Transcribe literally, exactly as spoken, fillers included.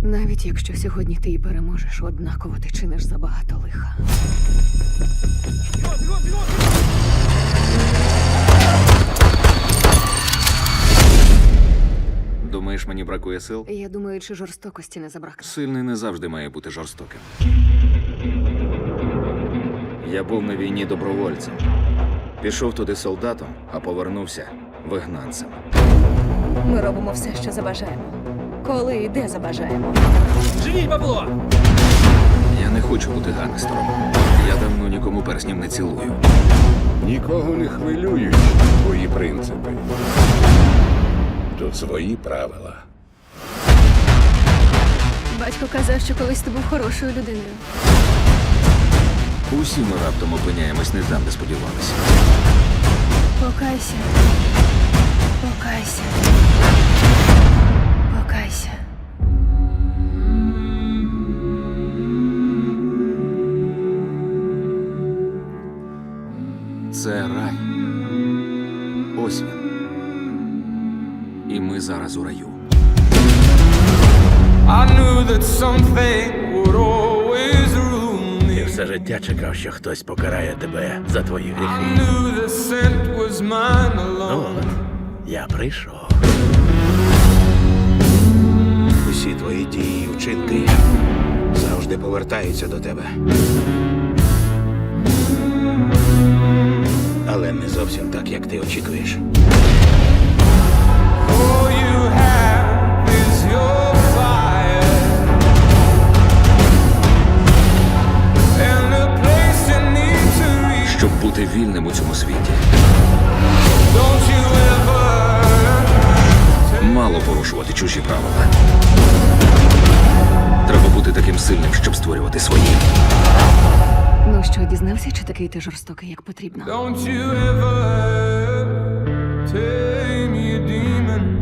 Навіть якщо сьогодні ти і переможеш, однаково ти чиниш забагато лиха. Думаєш, мені бракує сил? Я думаю, чи жорстокості не забракне. Сильний не завжди має бути жорстоким. Я був на війні добровольцем. Пішов туди солдатом, а повернувся вигнанцем. Ми робимо все, що забажаємо. Коли і де забажаємо. Живіть, бабло! Я не хочу бути ганестером. Я давно нікому перснів не цілую. Нікого не хвилюють твої принципи. Тут свої правила. Батько казав, що колись ти був хорошою людиною. Усі ми раптом опиняємось не там, де сподівалися. Покайся. Покайся. Покайся. Це рай. Ось він. І ми зараз у раю. I knew that something would always rule me. Ти все життя чекав, що хтось покарає тебе за твої I гріхи. knew the scent was mine Ну alone. от, я прийшов. Усі твої дії і вчинки завжди повертаються до тебе. Але не зовсім так, як ти очікуєш. All you have is your fire and a place you need to reach. Щоб бути вільним у цьому світі, Don't you ever мало порушувати чужі правила. Треба бути таким сильним, щоб створювати свої. Ну що, дізнався, чи такий ти жорстокий, як потрібно? Don't you ever tame your demon.